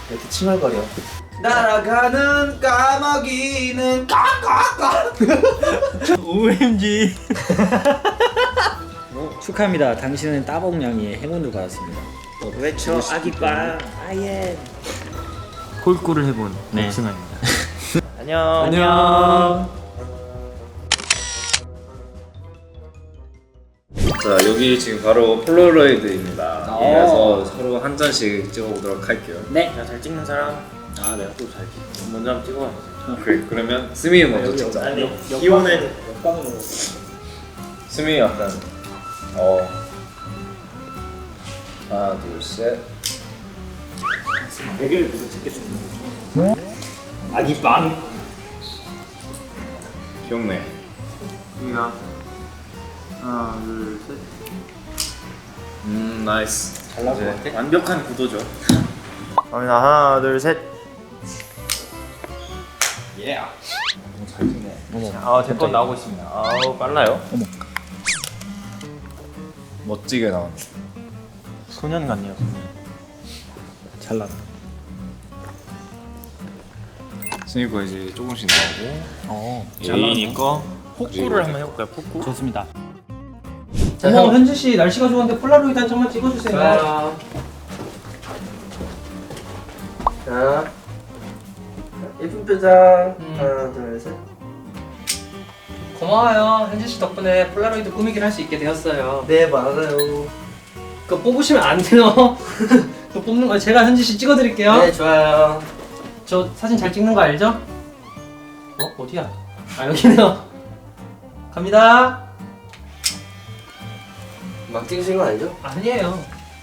이렇게 칭얼거려. 날아가는 까마귀는 까까까. OMG. 축하합니다. 당신은 따봉냥이의 행운을 받았습니다. 외쳐 아기빵 아예. 홀꿀을 해본 네. 승아입니다. 안녕. 안녕. 자, 여기 지금 바로 폴라로이드입니다. 그래서 서로 한 잔씩 찍어보도록 할게요. 네. 잘 찍는 사람. 아 내가 또 잘 찍. 먼저 한번 찍어봐. 오케이, 그러면 스미 먼저 찍자. 기호는 스미 약간 하나 둘 셋. 대결 계속 찍겠습니다. 아기빵. 귀엽네. 우리가 하나 둘 셋. 나이스. 잘 나온 것 같아? 완벽한 구도죠. 갑니다. 하나 둘 셋. 예. 잘 찍네. 제 건 나오고 있습니다. 아우 빨라요. 멋지게 나왔네. 소년 같네요. 잘 나가. 스미 거 이제 조금씩 나오고. 예인이 거 폭구를 한번 해볼까요? 폭구? 좋습니다. 자, 형 현지 씨 날씨가 좋은데 폴라로이드 한 장만 찍어주세요. 자, 예쁜 표정. 하나, 둘, 셋. 고마워요. 현지 씨 덕분에 폴라로이드 꾸미기를 할 수 있게 되었어요. 네, 맞아요. 그거 뽑으시면 안 돼요. 그거 뽑는 거 제가 현지 씨 찍어드릴게요. 네, 좋아요. 저 사진 잘 찍는 거 알죠? 어디야? 아 여기네요. 갑니다. 막 찍으신 거 아니죠? 아니에요.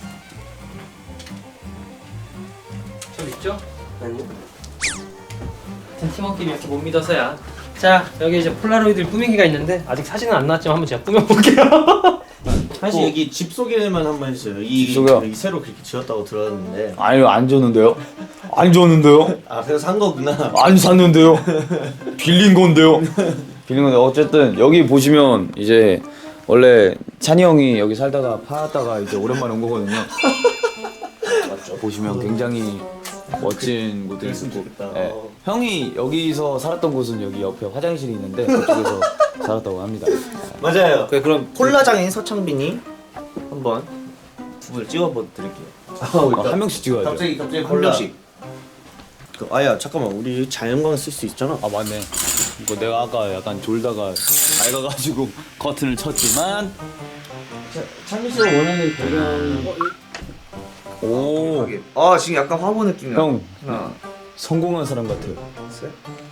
저 믿죠? 아니요. 같은 팀원끼리 이렇게 못 믿어서야. 자, 여기 이제 폴라로이드 꾸미기가 있는데 아직 사진은 안 나왔지만 한번 제가 꾸며볼게요. 사실 여기 집 소개만 한번 해주세요. 이 소개요? 여기 새로 그렇게 지었다고 들었는데. 아니요, 안 줬는데요. 안 줬는데요. 아, 그래서 산 거구나. 안 샀는데요. 빌린 건데요. 빌린 건데 어쨌든 여기 보시면 이제 원래 찬이 형이 여기 살다가 팔았다가 이제 오랜만에 온 거거든요. 맞죠? 보시면 굉장히 멋진 곳들이 그랬으면 있고. 좋겠다. 네. 형이 여기서 살았던 곳은 여기 옆에 화장실이 있는데 그쪽에서 살았다고 합니다. 맞아요. 그럼 폴라장인 서창빈이 한번 두 분 찍어드릴게요. 한 명씩 찍어야죠. 갑자기 한 폴라. 명씩. 아야 잠깐만, 우리 자연광 쓸 수 있잖아. 아 맞네. 이거 내가 아까 약간 졸다가 밝아가지고 커튼을 쳤지만. 창민 씨가 원하는 배경. 오. 아, 지금 약간 화보 느낌이야. 형 하나, 성공한 사람 같아요. 셋.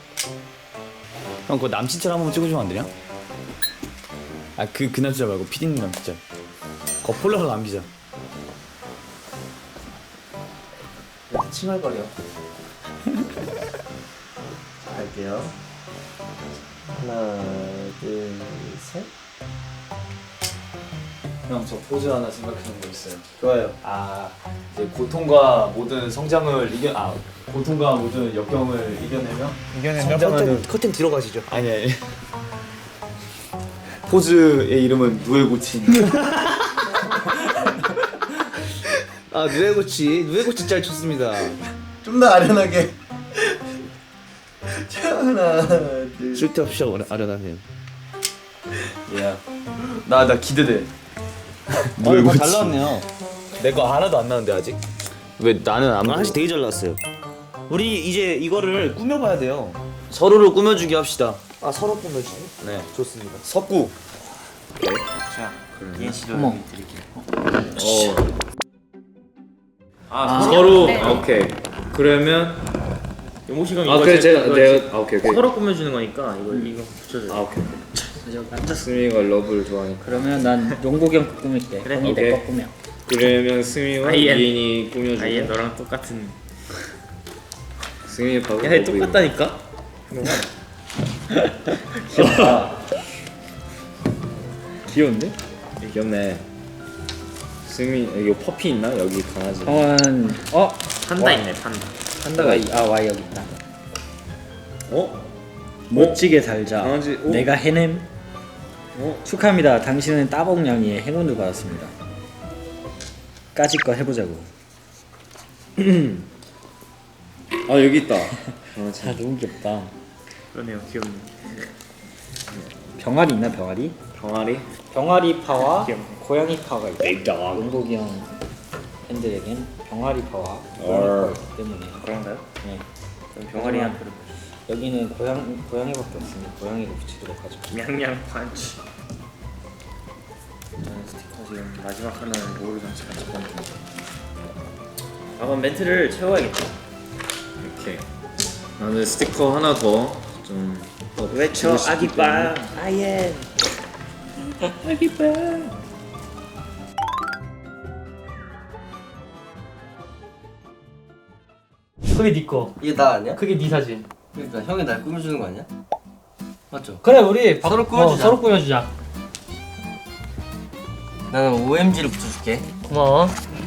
형 그거 남친처럼 한번 찍어주면 안 되냐? 아 그 남자 말고 피디님 남친자. 그거 폴라로 남기자. 이렇게 칭얼거려. 자, 갈게요. 하나, 둘, 셋. 형 저 포즈 하나 생각해놓은 거 있어요. 좋아요. 아 이제 고통과 모든 성장을 고통과 모든 역경을 이겨내며 성장하는. 커튼 뒤로 가시죠. 아니 포즈의 이름은 누에고친. 아, 누에고치 짤 좋습니다. 좀 더 아련하게. 자, 하나, 둘. 쓸데없이 아련하네요. 야, 나 기대돼. 누에고치. 잘 나왔네요. 내 거 하나도 안 나왔는데 아직? 왜 나는 안 하나씩 되게 잘 나왔어요. 우리 이제 이거를 꾸며봐야 돼요. 서로를 꾸며주기 합시다. 아, 서로 꾸며주기? 네. 좋습니다. 석구. 자 예인 씨도 어머. 드릴게요. 서로 네. 오케이. 그러면 용호 씨가 아 그래 내가 오케이. 서로 꾸며주는 거니까 이거 붙여줘요. 아 오케이. 스미가 러브를 좋아하니까. 그러면 난 용복이 형 꾸밀게. 그래. 형이 오케이. 내 거 꾸며. 그러면 스미와 아이엔. 이인이 꾸며주고. 아예 너랑 똑같은. 스미 바로 야 똑같다니까. 귀여운데? 귀엽네. 스미 이거 퍼피 있나? 여기 강아지. 판다 있네 판다. 판다가 와 여기 있다. 어? 멋지게 살자. 강아지, 오. 내가 해냄. 축하합니다. 당신은 따봉냥이의 행운을 받았습니다. 까짓 거 해보자고. 아 여기 있다. 너무 귀엽다. 그러네요. 귀엽네. 병아리 있나 병아리? 병아리? 병아리 파와 귀엽네. 고양이 파가 있다. 용복이 형 팬들에겐 병아리 파와 고양이 파가 있기 때문에 그런가요? 네. 그럼 병아리한테 여기는 고양이밖에 없으니 고양이를 붙이도록 하죠. 냥냥 펀치. 스티커 지금 마지막 하나는 모르장치 같이 던져. 한번 멘트를 채워야겠다. 이렇게. 나는 스티커 하나 더 좀. 외쳐 아기빵 아예. 그게 네 거. 이게 나 아니야? 그게 네 사진. 그러니까 형이 날 꾸며주는 거 아니야? 맞죠? 그래 우리 서로 꾸며주자. 서로 꾸며주자. 나는 OMG를 붙여줄게. 고마워.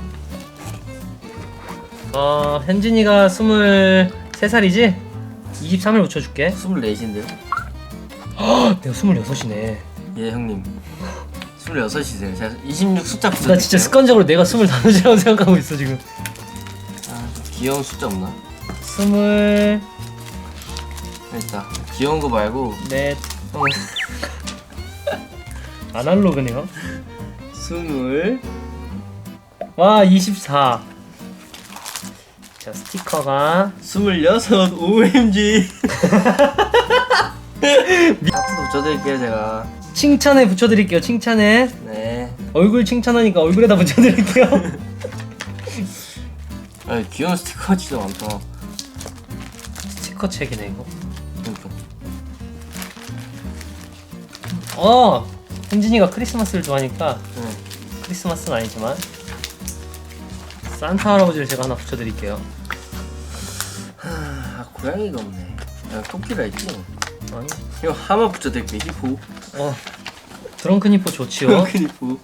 현진이가 23살이지? 23을 붙여줄게. 24인데요? 내가 26이네. 예 형님 26이세요. 제가 26 숫자 붙여줄게요. 나 진짜 습관적으로 내가 25이라고 생각하고 있어 지금. 아, 귀여운 숫자 없나? 24. 있다. 귀여운 거 말고 아날로그네요. 20 와 24. 자 스티커가 26 OMG 하트도 붙여드릴게요 제가. 칭찬에 붙여드릴게요. 칭찬에 네. 얼굴 칭찬하니까 얼굴에다 붙여드릴게요. 아 귀여운 스티커 진짜 많다. 스티커 책이네 이거. 그러니까. 현진이가 크리스마스를 좋아하니까 네. 크리스마스는 아니지만 산타 할아버지를 제가 하나 붙여드릴게요. 아 고양이가 없네. 야 토끼가 있지? 아니 이거 하마 붙여드릴게. 히포. 드렁큰 히포 좋지요. 히포.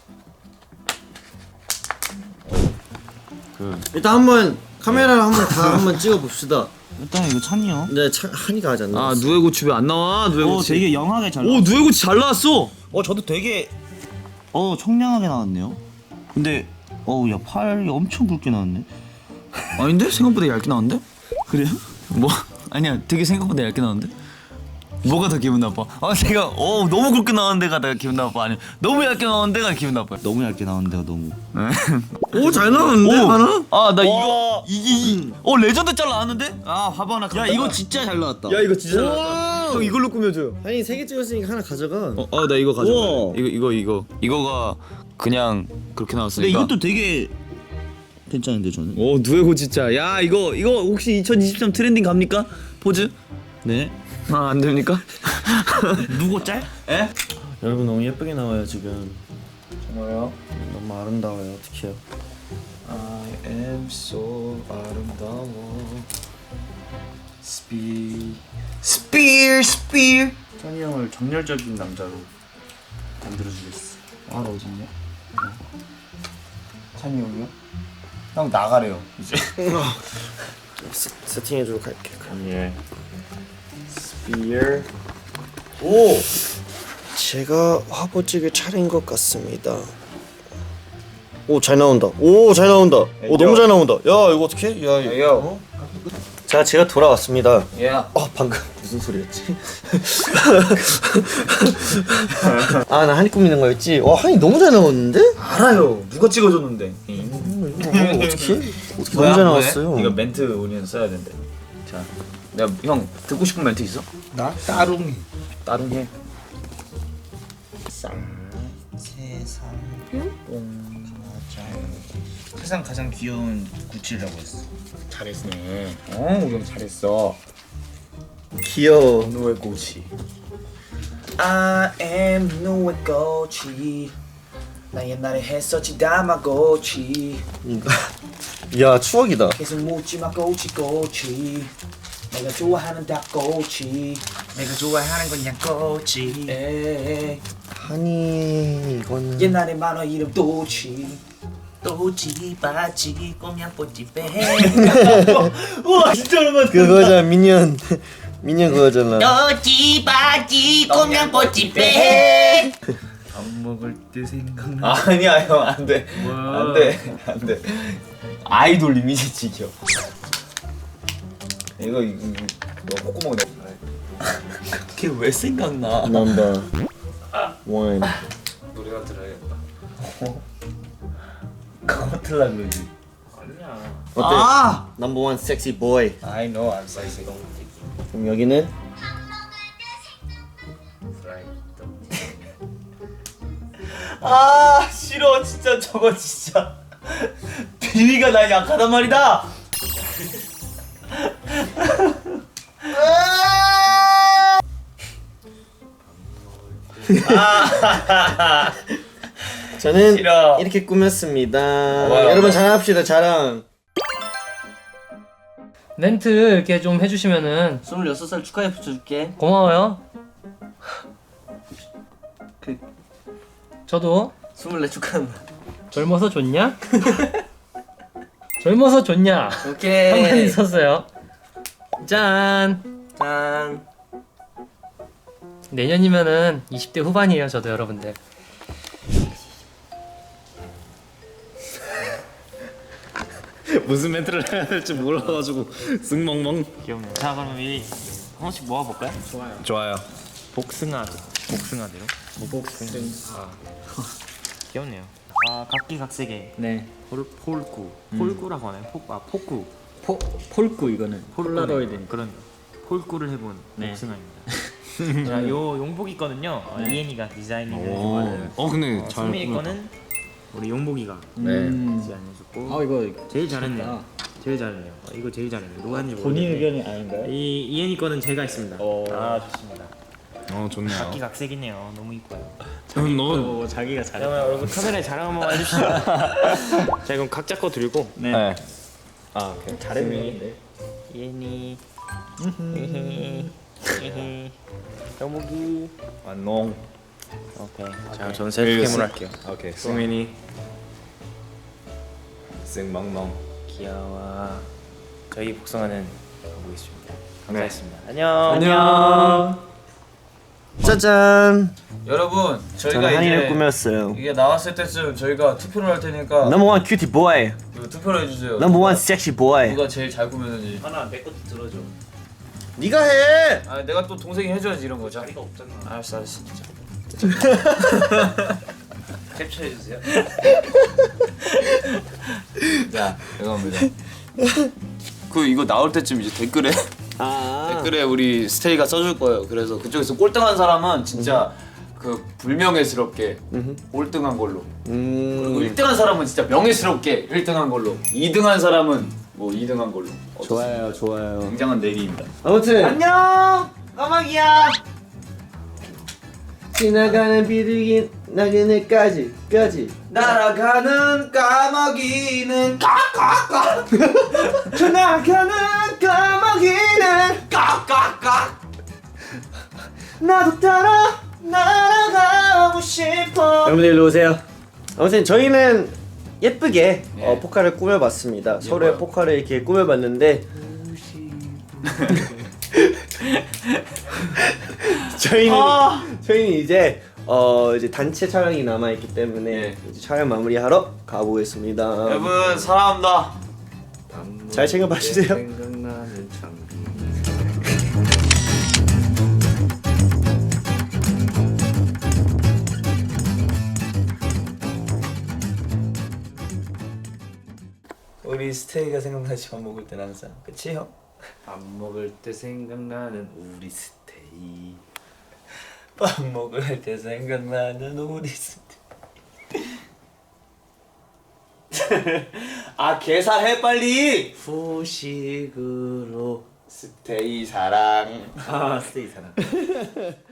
일단 한번 카메라를 한번 찍어 봅시다. 일단 이거 찬이 형. 네, 한이가 하지 않나? 아 누에 고치 왜 안 나와? 누에 오 고치. 되게 영하게 잘. 오 누에 고치 잘 나왔어. 저도 되게 청량하게 나왔네요. 근데 야 팔이 엄청 굵게 나왔네. 아닌데 생각보다 얇게 나왔는데? 그래요? 뭐 아니야 되게 생각보다 얇게 나왔는데? 뭐가 더 기분 나빠? 내가 너무 굵게 나온 데가 내가 기분 나빠? 아니면 너무 얇게 나온 데가 기분 나빠요? 너무 얇게 나왔는데요 너무. 오 잘 나왔는데 하나? 나 이거 이게 레전드 짤 나왔는데? 화보 하나 야 이거 진짜 잘 나왔다. 야 이거 진짜 잘 나왔다. 형 이걸로 꾸며줘요. 한이 3개 찍었으니까 하나 가져가. 나 이거 가져가. 우와. 이거가 그냥 그렇게 근데 나왔으니까. 이것도 되게 괜찮은데 저는. 누에고 진짜. 야 이거 혹시 2023 트렌딩 갑니까? 포즈? 네. 안 됩니까? 누구 짤? 에? 여러분 너무 예쁘게 나와요 지금. 정말요? 너무 아름다워요. 어떡해요? I am so 아름다워. 스피어. 찬이 형을 정열적인 남자로 만들어주겠어. 나 어딨냐? 찬이 형이요? 형 나가래요 이제. 세팅해주러 갈게. 예. 스피어. 오. 제가 화보 찍을 차례인 것 같습니다. 오 잘 나온다. 오 잘 나온다. 오 너무 잘 나온다. 야 이거 어떡해? 야 이거. 자 제가 돌아왔습니다. 야. 방금 무슨 소리였지? 나 한이 꾸미는 거였지? 와 한이 너무 잘 나왔는데? 알아요. 누가 찍어줬는데? 이거 어떻게 너무 잘 나왔어요. 이거 멘트 우리는 써야 된대. 자, 내가 형 듣고 싶은 멘트 있어? 나 따릉이. 따릉해. 세상 가장 귀여운 구찌라고 했어. 잘했네. 우리 형 잘했어. 귀여워. 누에 고치. I am 누에고치. 나 옛날에 했었지 다마고치. 야 추억이다. 계속 묻지마 꼬치 내가 좋아하는 닭꼬치 내가 좋아하는 건 양꼬치 에이. 한이 이거는 옛날에 만화 이름 또치 바지 꼼냥뽀찌 빼 우와 진짜 오랜만에 그거잖아 미니언 그거잖아. 또치 바지 꼼냥뽀찌 빼 밥 먹을 때 생각나. 아니야 형 안돼. 안돼. 아이돌 이미지 지켜. 이거 너 콧구멍에 그게 왜 생각나? 넘버 원. 노래나 들어야겠다. 그거 틀라 그러지. 아니야. 어때? 아! 넘버 원 섹시 보이. I know I'm sexy. 그럼 여기는 아 싫어 진짜 저거 진짜 비위가 난 약하단 말이다. 저는 싫어. 이렇게 꾸몄습니다. 여러분 자랑합시다 자랑. 멘트 이렇게 좀 해주시면은 26살 축하해 붙여줄게. 고마워요. 저도 24 축하한다. 젊어서 좋냐? 젊어서 좋냐? 오케이. 한마디 있었어요. 짠. 짠. 내년이면은 20대 후반이에요, 저도 여러분들. 무슨 멘트를 해야 될지 몰라가지고 쓱멍멍. 귀엽네요. 자 그럼 이 하나씩 모아볼까요? 좋아요. 복숭아대로. 복숭아. 귀엽네요. 아 각기각색의 네. 폴구라고 하나요? 포구. 폴구 이거는. 폴라로이드. 그런 폴구를 해본 복숭아입니다. 자, 요 용복 있거든요. 이엔이가 디자인해준 근데 승민이 거는 우리 용복이가 네. 디자인해줬고. 이거 제일 잘했네요. 제일 잘했네요. 이거 제일 잘했네요. 누가 했는지 본인 모르겠는데 의견이 아닌가요? 이 이엔이 거는 제가 했습니다. 아 좋습니다. 좋네요. 각기각색이네요. 너무 이뻐요. 너 자기가 잘해. 그러면 여러분 카메라에 자랑 한번 해주시죠. 자 그럼 각자 거 들고 네. 아 오케이. 잘했네. 이엔이 영복이 안녕. 오케이. 자 저는 셀프캠으로 할게요. 오케이. 승민이 쓱멍멍. 귀여워. 저희 복숭아는 가보겠습니다. 네. 감사했습니다. 안녕. 안녕. 짜잔. 여러분 저는 저희가 한이를 이제 꾸몄어요. 이게 나왔을 때쯤 저희가 투표를 할 테니까 넘버 원 큐티 보이. 이거 투표를 해주세요. 넘버 원 섹시 보이. 누가 제일 잘 꾸몄는지. 하나 내 것도 들어줘. 네가 해. 아 내가 또 동생이 해줘야지 이런 거. 자. 자리가 없잖아. 알았어. 진짜. 캡처해 주세요. 자 이겁니다. 그 이거 나올 때쯤 이제 댓글에 댓글에 우리 스테이가 써줄 거예요. 그래서 그쪽에서 꼴등한 사람은 진짜 그 불명예스럽게 꼴등한 걸로. 그리고 1등한 사람은 진짜 명예스럽게 1등한 걸로. 2등한 사람은 뭐 2등한 걸로. 좋아요 좋아요. 굉장한 내기입니다. 아무튼 안녕. 까마귀야. 지나가는 비둘기 나그네까지 날아가는 까마귀는 까까까. 지나가는 까마귀는 까까까. 나도 따라 날아가고 싶어. 여러분들 일로 오세요. 아무튼 저희는 예쁘게 포카를 꾸며봤습니다. 서로의 포카를 이렇게 꾸며봤는데 저희는 이제 이제 단체 촬영이 남아 있기 때문에 이제 촬영 마무리하러 가보겠습니다. 여러분 사랑합니다. 잘 챙겨 봐주세요. 우리 스테이가 생각나지 밥 먹을 땐 항상. 그치 형? 밥 먹을 때 생각나는 우리 스테이. 밥 먹을 때 생각나는 우리 스테이. 아 계산해 빨리. 후식으로 스테이 사랑. 아 스테이 사랑.